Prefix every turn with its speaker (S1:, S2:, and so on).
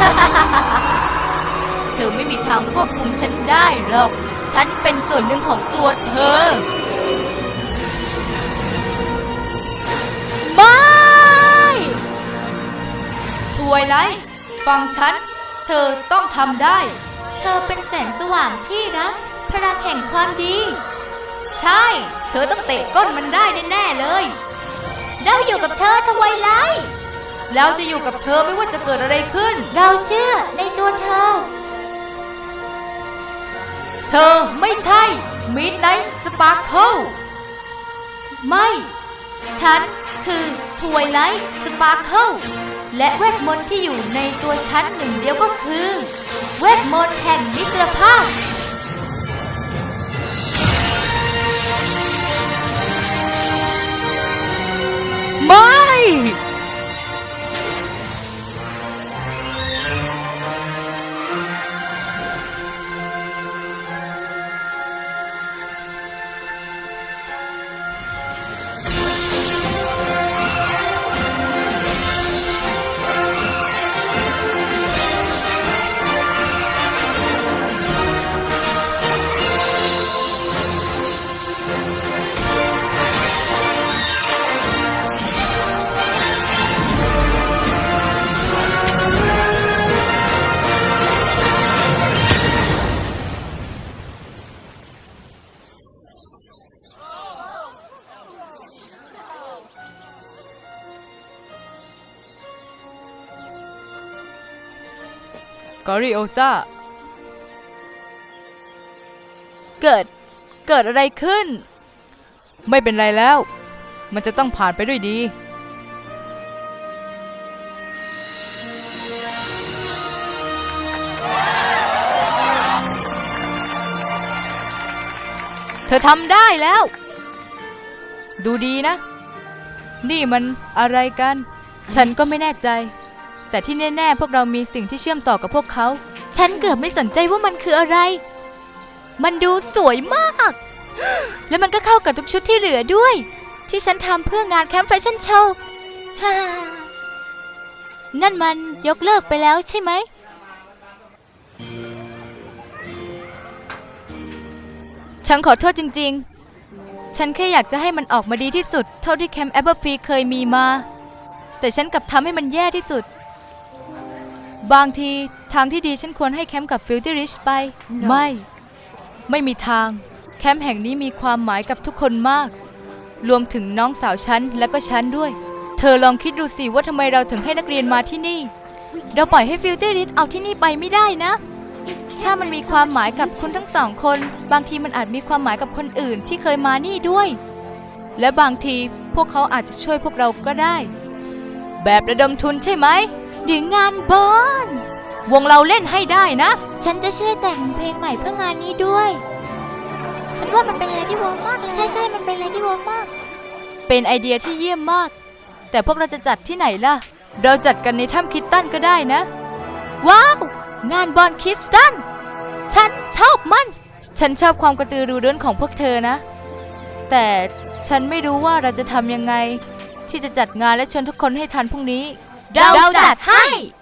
S1: เธอไม่มีทางควบคุมฉันได้หรอกฉันเป็นส่วนหนึ่งของตัวเธอไม่ทวยไลท์ฟังฉันเธอต้องทำได้เธอเป็นแสงสว่างที่รักพลังแห่งความดีใช่เธอต้องเตะก้นมันได้แน่ๆเลยเราอยู่กับเธอทวยไลท์เราจะอยู่กับเธอไม่ว่าจะเกิดอะไรขึ้นเราเชื่อในตัวเธอเธอไม่ใช่ Midnight Sparkle ไม่ฉันคือ Twilight Sparkle และเวทมนต์ที่อยู่ในตัวฉันหนึ่งเดียวก็คือเวทมนต์แห่งมิตรภาพไม่
S2: กอริโอซาเกิดอะไรขึ้นไม่เป็นไรแล้วมันจะต้องผ่านไปด้วยดีเธอทำได้แล้วดูดีนะนี่มันอะไรกันฉันก็ไม่แน่ใจแต่ที่แน่ๆพวกเรามีสิ่งที่เชื่อมต่อกับพวกเขาฉันเกือบไม่สนใจว่ามันคืออะไรมันดูสวยมากและมันก็เข้ากับทุกชุดที่เหลือด้วยที่ฉันทำเพื่องานแคมป์แฟชั่นโชว์นั่นมันยกเลิกไปแล้วใช่ไหมฉันขอโทษจริงๆฉันแค่อยากจะให้มันออกมาดีที่สุดเท่าที่แคมป์แอปเปิลฟรีเคยมีมาแต่ฉันกลับทำให้มันแย่ที่สุดบางทีทางที่ดีฉันควรให้แคมป์กับฟิลตี้ริชไป ไม่มีทางแคมป์แห่งนี้มีความหมายกับทุกคนมากรวมถึงน้องสาวฉันและก็ฉันด้วยเธอลองคิดดูสิว่าทำไมเราถึงให้นักเรียนมาที่นี่เราปล่อยให้ฟิลตี้ริชเอาที่นี่ไปไม่ได้นะถ้ามันมีความหมายกับคุณทั้งสองคนบางทีมันอาจมีความหมายกับคนอื่นที่เคยมานี่ด้วยและบางทีพวกเขาอาจจะช่วยพวกเราก็ได้แบบระดมทุนใช่ไหมหรืองานบอลวงเราเล่นให้ได้นะฉันจะช่วยแต่งเพลงใหม่เพื่องานนี้ด้วยฉันว่ามันเป็นอะไรที่เวิร์กมากเลยใช่มันเป็นอะไรที่เวิร์กมากเป็นไอเดียที่เยี่ยมมากแต่พวกเราจะจัดที่ไหนล่ะเราจัดกันในถ้ำคิตตันก็ได้นะว้าวงานบอลคิตตันฉันชอบมันฉันชอบความกระตือรือร้นของพวกเธอนะแต่ฉันไม่รู้ว่าเราจะทำยังไงที่จะจัดงานและชวนทุกคนให้ทันพรุ่งนี้เราจัดให้